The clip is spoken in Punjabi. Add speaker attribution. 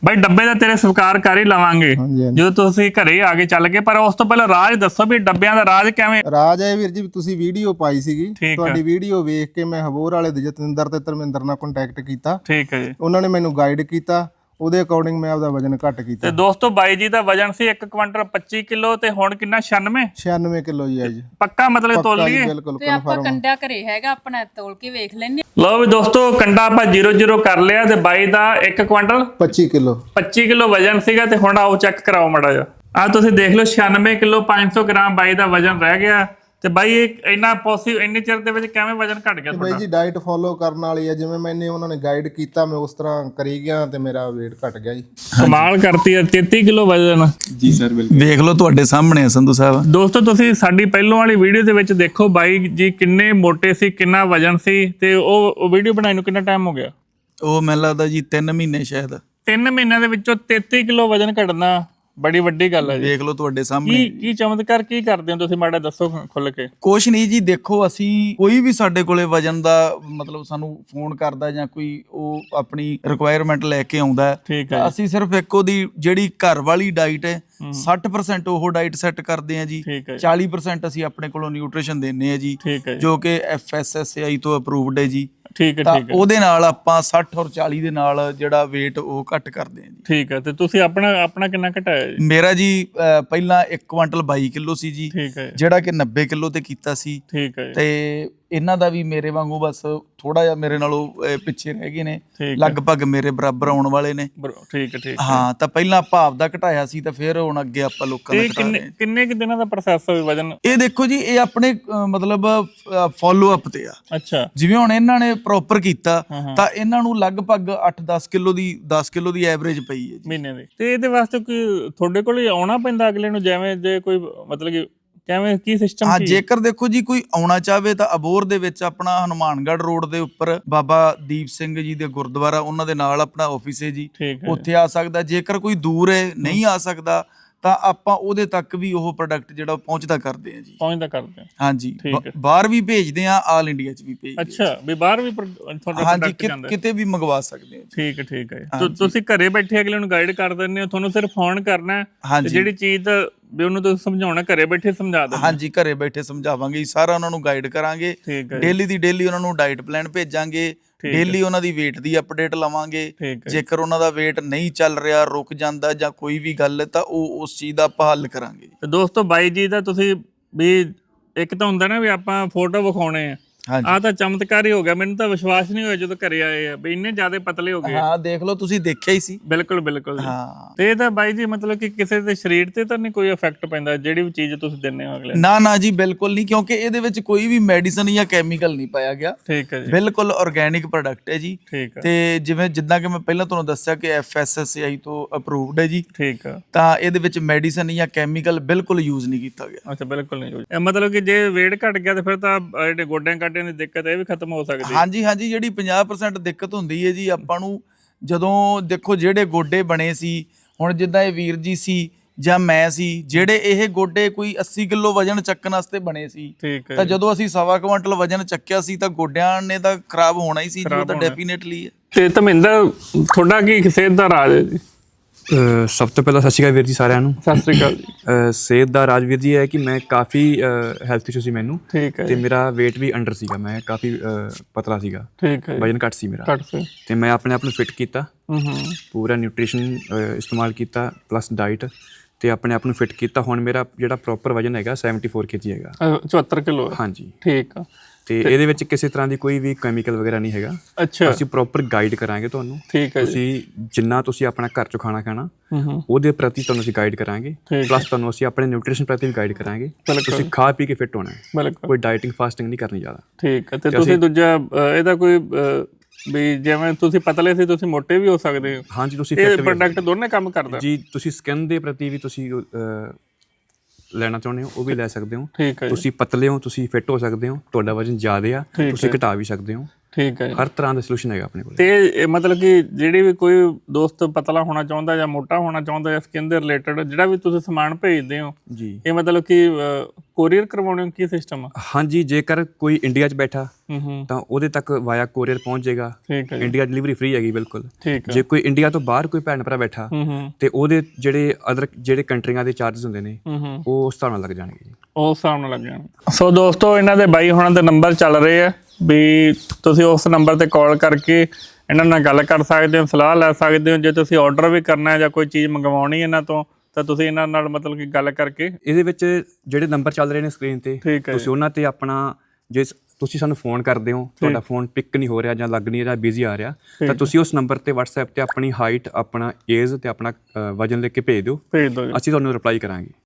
Speaker 1: ਬਾਈ ਡੱਬੇ ਦਾ ਤੇਰੇ ਸਵੀਕਾਰ ਕਰ ਹੀ ਲਵਾਂਗੇ ਜਦੋਂ ਤੁਸੀਂ ਘਰੇ ਆ ਕੇ ਚੱਲ ਗਏ, ਪਰ ਉਸ ਤੋਂ ਪਹਿਲਾਂ ਰਾਜ ਦੱਸੋ ਵੀ ਡੱਬਿਆਂ ਦਾ ਰਾਜ ਕਿਵੇਂ?
Speaker 2: ਰਾਜ ਹੈ ਵੀਰ ਜੀ, ਤੁਸੀਂ ਵੀਡੀਓ ਪਾਈ ਸੀਗੀ, ਤੁਹਾਡੀ ਵੀਡੀਓ ਵੇਖ ਕੇ ਮੈਂ ਹਬੋਰ ਵਾਲੇ ਦੇ ਜਤਿੰਦਰ ਤੇ ਧਰਮਿੰਦਰ ਨਾਲ ਕੰਟੈਕਟ ਕੀਤਾ।
Speaker 1: ਠੀਕ ਹੈ ਜੀ। ਉਹਨਾਂ
Speaker 2: ਨੇ ਮੈਨੂੰ ਗਾਈਡ ਕੀਤਾ, ਉਹਦੇ ਅਕੋਰਡਿੰਗ ਮੈਂ ਆਪਦਾ ਵਜਨ ਘੱਟ ਕੀਤਾ।
Speaker 1: ਤੇ ਦੋਸਤੋ ਬਾਈ ਜੀ ਦਾ ਵਜਨ ਸੀ 1 ਕੁਇੰਟਲ 25 ਕਿਲੋ ਤੇ ਹੁਣ ਕਿੰਨਾ
Speaker 2: 96 ਕਿਲੋ ਜੀ ਅੱਜ
Speaker 1: ਪੱਕਾ ਮਤਲਬ ਤੋਲ ਲਈਏ?
Speaker 2: ਬਿਲਕੁਲ
Speaker 3: ਤੇ ਆਪਾਂ ਕੰਡਾ ਘਰੇ ਹੈਗਾ ਆਪਣਾ, ਤੋਲ ਕੇ ਵੇਖ ਲੈਣੇ।
Speaker 1: ਲਓ ਵੀ ਦੋਸਤੋ ਕੰਡਾ ਆਪਾਂ 00 ਕਰ ਲਿਆ ਤੇ ਬਾਈ ਦਾ 1 ਕੁਇੰਟਲ 25 ਕਿਲੋ ਵਜਨ ਸੀਗਾ ਤੇ ਹੁਣ ਆਓ ਚੈੱਕ ਕਰਾਓ ਮਾੜਾ ਜਿਹਾ। ਆ ਤੁਸੀਂ ਦੇਖ ਲਓ 96 ਕਿਲੋ 500 ਗ੍ਰਾਮ ਬਾਈ ਦਾ ਵਜਨ ਰਹਿ ਗਿਆ। ਤੇ ਬਾਈ ਇੰਨਾ ਇੰਨੇ ਚਿਰ ਦੇ ਵਿੱਚ ਕਿਵੇਂ ਵਜਨ ਘਟ ਗਿਆ ਤੁਹਾਡਾ?
Speaker 2: ਬਾਈ ਜੀ ਡਾਈਟ ਫੋਲੋ ਕਰਨ ਵਾਲੀ ਹੈ, ਜਿਵੇਂ ਮੈਨੇ ਉਹਨਾਂ ਨੇ ਗਾਈਡ ਕੀਤਾ ਮੈਂ ਉਸ ਤਰ੍ਹਾਂ ਕਰੀ ਗਿਆ ਤੇ ਮੇਰਾ weight ਘਟ ਗਿਆ ਜੀ।
Speaker 1: ਕਮਾਲ ਕਰਤੀ ਹੈ। 33 ਕਿਲੋ ਵਜਨ।
Speaker 4: ਜੀ ਸਰ ਬਿਲਕੁਲ, ਵੇਖ ਲਓ ਤੁਹਾਡੇ ਸਾਹਮਣੇ ਸੰਧੂ ਸਾਹਿਬ।
Speaker 1: ਦੋਸਤੋ ਤੁਸੀਂ ਸਾਡੀ ਪਹਿਲੋਂ ਵਾਲੀ ਵੀਡੀਓ ਦੇ ਵਿੱਚ ਦੇਖੋ ਬਾਈ ਜੀ ਕਿੰਨੇ ਮੋਟੇ ਸੀ, ਕਿੰਨਾ ਵਜਨ ਸੀ, ਤੇ ਉਹ ਵੀਡੀਓ ਬਣਾਈ ਨੂੰ ਕਿੰਨਾ ਟਾਈਮ ਹੋ ਗਿਆ?
Speaker 4: ਉਹ ਮੈਨੂੰ ਲੱਗਦਾ ਜੀ 3 ਮਹੀਨੇ ਸ਼ਾਇਦ।
Speaker 1: 3 ਮਹੀਨਿਆਂ ਦੇ ਵਿੱਚੋਂ 33 ਕਿਲੋ ਵਜਨ ਘਟਣਾ ਬੜੀ ਵੱਡੀ ਗੱਲ ਹੈ ਜੀ।
Speaker 4: ਦੇਖ ਲਓ ਤੁਹਾਡੇ ਸਾਹਮਣੇ।
Speaker 1: ਕੀ ਚਮਤਕਾਰ ਕੀ ਕਰਦੇ ਹੋ ਤੁਸੀਂ, ਮਾੜਾ ਦੱਸੋ ਖੁੱਲ ਕੇ।
Speaker 4: ਕੁਛ ਨਹੀਂ ਜੀ, ਦੇਖੋ ਅਸੀਂ ਕੋਈ ਵੀ ਸਾਡੇ ਕੋਲੇ ਵਜਨ ਦਾ ਮਤਲਬ ਸਾਨੂੰ ਫੋਨ ਕਰਦਾ ਜਾਂ ਕੋਈ ਉਹ ਆਪਣੀ ਰਿਕੁਆਇਰਮੈਂਟ ਲੈ ਕੇ ਆਉਂਦਾ, ਅਸੀਂ ਸਿਰਫ ਇੱਕ ਉਹਦੀ ਜਿਹੜੀ ਘਰ ਵਾਲੀ ਡਾਈਟ ਹੈ 60% ਉਹ ਡਾਈਟ ਸੈੱਟ ਕਰਦੇ ਆ ਜੀ, 40% ਅਸੀਂ ਆਪਣੇ ਕੋਲੋਂ ਨਿਊਟ੍ਰੀਸ਼ਨ ਦਿੰਨੇ ਆ ਜੀ, ਜੋ ਕਿ FSSAI ਤੋਂ ਅਪਰੂਵਡ ਹੈ ਜੀ। ਤਾਂ ਉਹਦੇ ਨਾਲ ਆਪਾਂ 60 ਔਰ 40 ਦੇ ਨਾਲ ਜਿਹੜਾ weight ਉਹ ਘੱਟ ਕਰਦੇ ਆ ਜੀ।
Speaker 1: ਠੀਕ ਹੈ। ਤੇ ਤੁਸੀਂ ਆਪਣਾ ਕਿੰਨਾ ਘਟਾਇਆ ਜੀ?
Speaker 4: ਮੇਰਾ ਜੀ ਪਹਿਲਾਂ 1 ਕੁਇੰਟਲ 22 ਕਿਲੋ ਸੀ ਜੀ, ਜਿਹੜਾ ਕਿ 90 ਕਿਲੋ ਤੇ ਕੀਤਾ ਸੀ।
Speaker 1: ਠੀਕ ਹੈ।
Speaker 4: ਤੇ ਇਹਨਾਂ ਦਾ ਵੀ ਮੇਰੇ ਵਾਂਗੂ ਬਸ ਥੋੜਾ ਜਿਹਾ ਮੇਰੇ ਨਾਲੋਂ ਪਿੱਛੇ ਰਹਿ ਗਏ ਨੇ, ਲਗਭਗ ਮੇਰੇ ਬਰਾਬਰ ਆਉਣ ਵਾਲੇ ਨੇ।
Speaker 1: ਠੀਕ ਹੈ।
Speaker 4: ਹਾਂ, ਤਾਂ ਪਹਿਲਾਂ ਆਪਾਂ ਆਪਦਾ ਘਟਾਇਆ ਸੀ ਤਾਂ ਫਿਰ ਹੁਣ ਅੱਗੇ ਆਪਾਂ ਲੋਕਾਂ ਦਾ ਘਟਾ ਰਹੇ ਹਾਂ।
Speaker 1: ਕਿੰਨੇ ਕਿ ਦਿਨਾਂ ਦਾ ਪ੍ਰੋਸੈਸ ਹੋਵੇ ਵਜਨ?
Speaker 4: ਇਹ ਦੇਖੋ ਜੀ, ਇਹ ਆਪਣੇ ਮਤਲਬ ਫੋਲੋ ਅਪ ਤੇ ਆ।
Speaker 1: ਅੱਛਾ।
Speaker 4: ਜਿਵੇਂ ਹੁਣ ਇਹਨਾਂ ਨੇ ਪ੍ਰੋਪਰ ਕੀਤਾ ਤਾਂ ਇਹਨਾਂ ਨੂੰ ਲਗਭਗ 10 ਕਿਲੋ ਦੀ ਐਵਰੇਜ ਪਈ ਹੈ
Speaker 1: ਮਹੀਨੇ ਦੀ। ਤੇ ਇਹਦੇ ਵਾਸਤੇ ਕੋਈ ਤੁਹਾਡੇ ਕੋਲ ਆਉਣਾ ਪੈਂਦਾ ਅਗਲੇ ਨੂੰ, ਜਿਵੇਂ ਜੇ ਕੋਈ ਮਤਲਬ ਕਿ ਕਿਵੇਂ ਕੀ ਸਿਸਟਮ?
Speaker 4: ਹਾਂ, ਜੇਕਰ ਦੇਖੋ ਜੀ ਕੋਈ ਆਉਣਾ ਚਾਹਵੇ ਤਾਂ ਅਬੋਹਰ ਦੇ ਵਿੱਚ ਆਪਣਾ ਹਨੂਮਾਨਗੜ੍ਹ ਰੋਡ ਦੇ ਉੱਪਰ ਬਾਬਾ ਦੀਪ ਸਿੰਘ ਜੀ ਦੇ ਗੁਰਦੁਆਰਾ, ਉਹਨਾਂ ਦੇ ਨਾਲ ਆਪਣਾ ਆਫਿਸ ਹੈ ਜੀ, ਉੱਥੇ ਆ ਸਕਦਾ। ਜੇਕਰ ਕੋਈ ਦੂਰ ਹੈ ਨਹੀਂ ਆ ਸਕਦਾ ਤਾਂ ਆਪਾਂ ਉਹਦੇ ਤੱਕ ਵੀ ਉਹ ਪ੍ਰੋਡਕਟ ਜਿਹੜਾ ਪਹੁੰਚਦਾ ਕਰਦੇ ਆ ਜੀ। ਹਾਂਜੀ, ਬਾਹਰ ਵੀ ਭੇਜਦੇ ਆ, ਆਲ ਇੰਡੀਆ ਚ ਵੀ ਭੇਜਦੇ।
Speaker 1: ਅੱਛਾ, ਵੀ ਬਾਹਰ ਵੀ ਤੁਹਾਡਾ ਪ੍ਰੋਡਕਟ ਜਾਂਦਾ? ਕਿਤੇ
Speaker 4: ਵੀ ਮੰਗਵਾ ਸਕਦੇ ਆ।
Speaker 1: ਠੀਕ ਹੈ। ਤੁਸੀਂ ਘਰੇ ਬੈਠੇ ਅਗਲੇ ਨੂੰ ਗਾਈਡ ਕਰ ਦਿੰਦੇ ਹੋ, ਤੁਹਾਨੂੰ ਸਿਰਫ ਫੋਨ ਕਰਨਾ ਤੇ ਜਿਹੜੀ ਚੀਜ਼ ਵੀ ਉਹਨੂੰ ਤੁਸੀਂ ਸਮਝਾਉਣਾ ਘਰੇ ਬੈਠੇ ਸਮਝਾ ਦਿੰਦੇ?
Speaker 4: ਹਾਂਜੀ, ਘਰੇ ਬੈਠੇ ਸਮਝਾਵਾਂਗੇ, ਸਾਰਾ ਉਹਨਾਂ ਨੂੰ ਗਾਈਡ ਕਰਾਂਗੇ। ਡੇਲੀ ਦੀ ਡੇਲੀ ਉਹਨਾਂ ਨੂੰ ਡਾਈਟ ਪਲਾਨ ਭੇਜਾਂਗੇ, ਡੇਲੀ ਉਹਨਾਂ ਦੀ weight ਦੀ ਅਪਡੇਟ ਲਵਾਂਗੇ। ਜੇਕਰ ਉਹਨਾਂ ਦਾ weight ਨਹੀਂ ਚੱਲ ਰਿਹਾ, ਰੁਕ ਜਾਂਦਾ ਜਾਂ ਕੋਈ ਵੀ ਗੱਲ ਹੈ ਤਾਂ ਉਹ ਉਸ ਚੀਜ਼ ਦਾ ਆਪਾਂ ਹੱਲ ਕਰਾਂਗੇ।
Speaker 1: ਤੇ ਦੋਸਤੋ ਬਾਈ ਜੀ ਦਾ ਤੁਸੀਂ ਵੀ ਇੱਕ ਤਾਂ ਹੁੰਦਾ ਨਾ ਵੀ ਆਪਾਂ ਫੋਟੋ ਵਿਖਾਉਣੇ ਆ, ਆਹ ਤਾਂ ਚਮਤਕਾਰ ਹੀ ਹੋ ਗਿਆ। ਮੈਨੂੰ ਤਾਂ ਵਿਸ਼ਵਾਸ ਨਹੀਂ ਹੋਇਆ ਜਦੋਂ ਘਰੇ ਆਏ ਆ ਵੀ ਇੰਨੇ ਜ਼ਿਆਦਾ ਪਤਲੇ ਹੋ ਗਏ।
Speaker 4: ਹਾਂ, ਦੇਖ ਲਓ, ਤੁਸੀਂ ਦੇਖਿਆ ਹੀ ਸੀ।
Speaker 1: ਬਿਲਕੁਲ।
Speaker 4: ਹਾਂ,
Speaker 1: ਤੇ ਇਹ ਤਾਂ ਬਾਈ ਜੀ ਮਤਲਬ ਕਿ ਕਿਸੇ ਦੇ ਸਰੀਰ ਤੇ ਤਾਂ ਨਹੀਂ ਕੋਈ ਇਫੈਕਟ ਪੈਂਦਾ ਜਿਹੜੀ ਵੀ ਚੀਜ਼ ਤੁਸੀਂ ਦਿੰਦੇ ਹੋ ਅਗਲੇ?
Speaker 4: ਨਾ ਜੀ, ਬਿਲਕੁਲ ਨਹੀਂ, ਕਿਉਂਕਿ ਇਹਦੇ ਵਿੱਚ ਕੋਈ ਵੀ ਮੈਡੀਸਨ ਜਾਂ ਕੈਮੀਕਲ ਨਹੀਂ ਪਾਇਆ ਗਿਆ।
Speaker 1: ਠੀਕ ਹੈ ਜੀ।
Speaker 4: ਬਿਲਕੁਲ ਆਰਗੈਨਿਕ ਪ੍ਰੋਡਕਟ ਹੈ ਜੀ। ਤੇ ਜਿੱਦਾਂ ਕਿ ਮੈਂ ਪਹਿਲਾਂ ਤੁਹਾਨੂੰ ਦੱਸਿਆ ਕਿ FSSAI ਤੋਂ ਅਪਰੂਵਡ ਹੈ ਜੀ।
Speaker 1: ਠੀਕ ਆ।
Speaker 4: ਤਾਂ ਇਹਦੇ ਵਿੱਚ ਮੈਡੀਸਨ ਜਾਂ ਕੈਮੀਕਲ ਬਿਲਕੁਲ ਯੂਜ਼ ਨਹੀਂ ਕੀਤਾ ਗਿਆ।
Speaker 1: ਅੱਛਾ, ਬਿਲਕੁਲ ਨਹੀਂ ਯੂਜ਼। ਮਤਲਬ ਕਿ ਜੇ weight ਘਟ ਗਿਆ ਤੇ ਫਿਰ ਤਾਂ ਜਿਹੜੇ ਗੋਡਿਆਂ ਕਾਡਿਆਂ ਦੀ ਦਿੱਕਤ ਇਹ ਵੀ ਖਤਮ ਹੋ ਸਕਦੀ?
Speaker 4: ਹਾਂਜੀ, ਜਿਹੜੀ 50% ਦਿੱਕਤ ਹੁੰਦੀ ਹੈ ਜੀ ਆਪਾਂ ਨੂੰ, ਜਦੋਂ ਦੇਖੋ ਜਿਹੜੇ ਗੋਡੇ ਬਣੇ ਸੀ, ਹੁਣ ਜਿੱਦਾਂ ਇਹ ਵੀਰ ਜੀ ਸੀ ਜਾਂ ਮੈਂ ਸੀ, ਜਿਹੜੇ ਇਹ ਗੋਡੇ ਕੋਈ 80 ਕਿਲੋ ਵਜਨ ਚੱਕਣ ਵਾਸਤੇ ਬਣੇ ਸੀ, ਤਾਂ ਜਦੋਂ ਅਸੀਂ 1.25 ਕੁਇੰਟਲ ਵਜਨ ਚੱਕਿਆ ਸੀ ਤਾਂ ਗੋਡਿਆਂ ਨੇ ਤਾਂ ਖਰਾਬ ਹੋਣਾ ਹੀ ਸੀ, ਜੋ ਤਾਂ ਡੈਫੀਨੇਟਲੀ ਹੈ।
Speaker 1: ਤੇ ਧਰਮਿੰਦਰ, ਤੁਹਾਡਾ ਕੀ ਸਿਹਤ ਦਾ ਰਾਜ ਹੈ ਜੀ?
Speaker 5: ਸਭ ਤੋਂ ਪਹਿਲਾਂ ਸਤਿ ਸ਼੍ਰੀ ਅਕਾਲ ਵੀਰ ਜੀ ਸਾਰਿਆਂ ਨੂੰ।
Speaker 1: ਸਤਿ ਸ਼੍ਰੀ ਅਕਾਲ ਜੀ।
Speaker 5: ਸਿਹਤ ਦਾ ਰਾਜ ਵੀਰ ਜੀ ਹੈ ਕਿ ਮੈਂ ਕਾਫੀ ਹੈਲਥ ਇਸ਼ੂ ਸੀ ਮੈਨੂੰ।
Speaker 1: ਠੀਕ ਹੈ।
Speaker 5: ਤੇ ਮੇਰਾ weight ਵੀ ਅੰਡਰ ਸੀਗਾ, ਮੈਂ ਕਾਫੀ ਪਤਲਾ ਸੀਗਾ।
Speaker 1: ਠੀਕ ਹੈ।
Speaker 5: ਵਜਨ ਘੱਟ ਸੀ ਮੇਰਾ। ਤੇ ਮੈਂ ਆਪਣੇ ਆਪ ਨੂੰ ਫਿੱਟ ਕੀਤਾ, ਪੂਰਾ ਨਿਊਟ੍ਰੀਸ਼ਨ ਇਸਤੇਮਾਲ ਕੀਤਾ ਪਲੱਸ ਡਾਈਟ, ਤੇ ਆਪਣੇ ਆਪ ਨੂੰ ਫਿੱਟ ਕੀਤਾ। ਹੁਣ ਮੇਰਾ ਜਿਹੜਾ ਪ੍ਰੋਪਰ ਵਜਨ ਹੈਗਾ 74 kg ਹੈਗਾ।
Speaker 1: 74 ਕਿਲੋ?
Speaker 5: ਹਾਂਜੀ।
Speaker 1: ਠੀਕ ਆ।
Speaker 5: ਤੇ ਇਹਦੇ ਵਿੱਚ ਕਿਸੇ ਤਰ੍ਹਾਂ ਦੀ ਕੋਈ ਵੀ ਕੈਮੀਕਲ ਵਗੈਰਾ ਨਹੀਂ ਹੈਗਾ।
Speaker 1: ਅੱਛਾ।
Speaker 5: ਅਸੀਂ ਪ੍ਰੋਪਰ ਗਾਈਡ ਕਰਾਂਗੇ ਤੁਹਾਨੂੰ।
Speaker 1: ਠੀਕ ਹੈ।
Speaker 5: ਤੁਸੀਂ ਜਿੰਨਾ ਤੁਸੀਂ ਆਪਣਾ ਘਰ ਚੋਂ ਖਾਣਾ ਖਾਣਾ ਉਹਦੇ ਪ੍ਰਤੀ ਤੁਹਾਨੂੰ ਅਸੀਂ ਗਾਈਡ ਕਰਾਂਗੇ, ਪਲੱਸ ਤੁਹਾਨੂੰ ਅਸੀਂ ਆਪਣੇ ਨਿਊਟ੍ਰੀਸ਼ਨ ਪ੍ਰਤੀ ਵੀ ਗਾਈਡ ਕਰਾਂਗੇ। ਤੁਸੀਂ ਖਾ ਪੀ ਕੇ ਫਿੱਟ ਹੋਣਾ ਹੈ, ਕੋਈ ਡਾਈਟਿੰਗ ਫਾਸਟਿੰਗ ਨਹੀਂ ਕਰਨੀ ਜ਼ਿਆਦਾ।
Speaker 1: ਠੀਕ ਹੈ। ਤੇ ਤੁਸੀਂ ਦੂਜਾ ਇਹਦਾ ਕੋਈ ਵੀ ਜਿਵੇਂ ਤੁਸੀਂ ਪਤਲੇ ਸੀ ਤੁਸੀਂ ਮੋਟੇ ਵੀ ਹੋ ਸਕਦੇ ਹੋ?
Speaker 5: ਹਾਂਜੀ, ਤੁਸੀਂ
Speaker 1: ਇਹ ਪ੍ਰੋਡਕਟ ਦੋਨੇ ਕੰਮ ਕਰਦਾ
Speaker 5: ਜੀ। ਤੁਸੀਂ ਸਕਿਨ ਦੇ ਪ੍ਰਤੀ ਵੀ ਤੁਸੀਂ ਲੈਣਾ ਚਾਹੁੰਦੇ ਹੋ ਉਹ ਵੀ ਲੈ ਸਕਦੇ ਹੋ। ਤੁਸੀਂ ਪਤਲੇ ਹੋ, ਤੁਸੀਂ ਫਿੱਟ ਹੋ ਸਕਦੇ ਹੋ, ਤੁਹਾਡਾ ਵਜਨ ਜ਼ਿਆਦਾ ਆ, ਤੁਸੀਂ ਘਟਾ ਵੀ ਸਕਦੇ ਹੋ।
Speaker 1: ਠੀਕ ਹੈ ਜੀ।
Speaker 5: ਹਰ ਤਰ੍ਹਾਂ ਦਾ ਸੋਲੂਸ਼ਨ ਹੈਗਾ ਆਪਣੇ ਕੋਲ।
Speaker 1: ਤੇ ਇਹ ਮਤਲਬ ਕਿ ਜਿਹੜੀ ਵੀ ਕੋਈ ਦੋਸਤ ਪਤਲਾ ਹੋਣਾ ਚਾਹੁੰਦਾ ਜਾਂ ਮੋਟਾ ਹੋਣਾ ਚਾਹੁੰਦਾ ਜਾਂ ਸਕਿਨ ਦੇ ਰਿਲੇਟਡ ਜਿਹੜਾ ਵੀ ਤੁਸੀਂ ਸਮਾਨ ਭੇਜਦੇ ਹੋ
Speaker 5: ਜੀ,
Speaker 1: ਇਹ ਮਤਲਬ ਕਿ ਕੋਰੀਅਰ ਕਰਵਾਉਣੇ ਕੀ ਸਿਸਟਮ ਆ?
Speaker 5: ਹਾਂਜੀ, ਜੇਕਰ ਕੋਈ ਇੰਡੀਆ 'ਚ ਬੈਠਾ
Speaker 1: ਹੂੰ
Speaker 5: ਤਾਂ ਉਹਦੇ ਤੱਕ ਵਾਇਆ ਕੋਰੀਅਰ ਪਹੁੰਚ ਜਾਏਗਾ।
Speaker 1: ਠੀਕ ਹੈ ਜੀ।
Speaker 5: ਇੰਡੀਆ ਡਿਲੀਵਰੀ ਫ੍ਰੀ ਹੈਗੀ ਬਿਲਕੁਲ।
Speaker 1: ਠੀਕ ਹੈ।
Speaker 5: ਜੇ ਕੋਈ ਇੰਡੀਆ ਤੋਂ ਬਾਹਰ ਕੋਈ ਭੈਣ ਭਰਾ ਬੈਠਾ
Speaker 1: ਹੂੰ
Speaker 5: ਤੇ ਉਹਦੇ ਜਿਹੜੇ ਅਦਰ ਜਿਹੜੇ ਕੰਟਰੀਆਂ ਦੇ ਚਾਰजेस ਹੁੰਦੇ ਨੇ
Speaker 1: ਹੂੰ
Speaker 5: ਉਹ ਉਸ ਹਿਸਾਬ ਨਾਲ ਲੱਗ ਜਾਣਗੇ ਜੀ।
Speaker 1: ਉਸ ਹਿਸਾਬ ਨਾਲ ਲੱਗ ਜਾਣਾ। ਸੋ ਦੋਸਤੋ ਇਹਨਾਂ ਦੇ ਬਾਈ ਹੁਣਾਂ ਦੇ ਨੰਬਰ ਚੱਲ ਰਹੇ ਆ ਵੀ ਤੁਸੀਂ ਉਸ ਨੰਬਰ ਤੇ ਕਾਲ ਕਰਕੇ ਇਹਨਾਂ ਨਾਲ ਗੱਲ ਕਰ ਸਕਦੇ ਹੋ, ਸਲਾਹ ਲੈ ਸਕਦੇ ਹੋ। ਜੇ ਤੁਸੀਂ ਆਰਡਰ ਵੀ ਕਰਨਾ ਹੈ ਜਾਂ ਕੋਈ ਚੀਜ਼ ਮੰਗਵਾਉਣੀ ਇਹਨਾਂ ਤੋਂ ਤਾਂ ਤੁਸੀਂ ਇਹਨਾਂ ਨਾਲ ਮਤਲਬ ਕਿ ਗੱਲ ਕਰਕੇ
Speaker 5: ਇਹਦੇ ਵਿੱਚ ਜਿਹੜੇ ਨੰਬਰ ਚੱਲ ਰਹੇ ਨੇ ਸਕਰੀਨ ਤੇ
Speaker 1: ਠੀਕ ਹੈ
Speaker 5: ਤੁਸੀਂ ਉਹਨਾਂ ਤੇ ਆਪਣਾ ਜੇ ਤੁਸੀਂ ਸਾਨੂੰ ਫੋਨ ਕਰਦੇ ਹੋ, ਤੁਹਾਡਾ ਫੋਨ ਪਿਕ ਨਹੀਂ ਹੋ ਰਿਹਾ ਜਾਂ ਲੱਗ ਨਹੀਂ ਰਿਹਾ, ਬਿਜ਼ੀ ਆ ਰਿਹਾ, ਤਾਂ ਤੁਸੀਂ ਉਸ ਨੰਬਰ ਤੇ WhatsApp ਤੇ ਆਪਣੀ ਹਾਈਟ, ਆਪਣਾ ਏਜ ਤੇ ਆਪਣਾ ਵਜਨ ਲਿਖ ਕੇ ਭੇਜ ਦਿਓ।
Speaker 1: ਭੇਜ ਦਿਓ ਜੀ।
Speaker 5: ਅਸੀਂ ਤੁਹਾਨੂੰ ਰਿਪਲਾਈ ਕਰਾਂਗੇ।